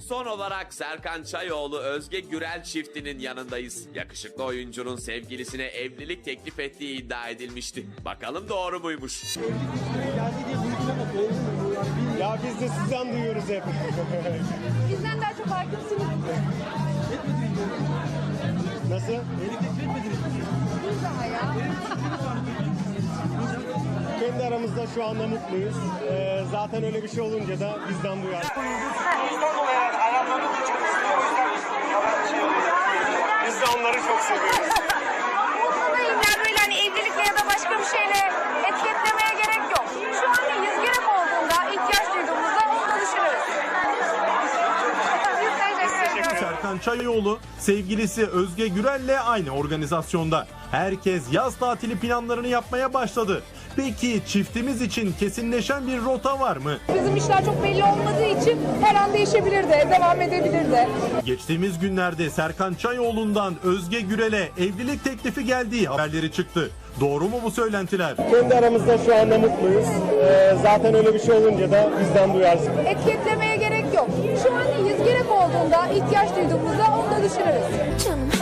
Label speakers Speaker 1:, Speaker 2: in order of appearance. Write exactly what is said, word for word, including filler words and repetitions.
Speaker 1: Son olarak Serkan Çayoğlu Özge Gürel çiftinin yanındayız. Yakışıklı oyuncunun sevgilisine evlilik teklif ettiği iddia edilmişti. Bakalım doğru muymuş?
Speaker 2: Ya biz de sizden duyuyoruz hep.
Speaker 3: Bizden daha çok hakimsiniz.
Speaker 2: Nasıl?
Speaker 3: Biz daha ya.
Speaker 2: Kendi aramızda şu anda mutluyuz. Ee, zaten öyle bir şey olunca da bizden duyar. Biz de onları çok seviyoruz.
Speaker 3: Buradayım yani böyle hani evlilikle ya da başka bir şeyle etiketlemeye gerek yok. Şu an yüz gerek olduğunda, ihtiyaç duyduğumuzda onu da düşünürüz. Biz teşekkür ederiz.
Speaker 4: Serkan Çayoğlu sevgilisi Özge Gürel'le aynı organizasyonda. Herkes yaz tatili planlarını yapmaya başladı. Peki çiftimiz için kesinleşen bir rota var mı?
Speaker 3: Bizim işler çok belli olmadığı için her an değişebilir de, devam edebilir de.
Speaker 4: Geçtiğimiz günlerde Serkan Çayoğlu'ndan Özge Gürel'e evlilik teklifi geldiği haberleri çıktı. Doğru mu bu söylentiler?
Speaker 2: Kendi aramızda şu anda mutluyuz. Ee, zaten öyle bir şey olunca da bizden duyarsın.
Speaker 3: Etiketlemeye gerek yok. Şu an yüz gerek olduğunda, ihtiyaç duyduğumuzda onu da düşünürüz.
Speaker 5: Canım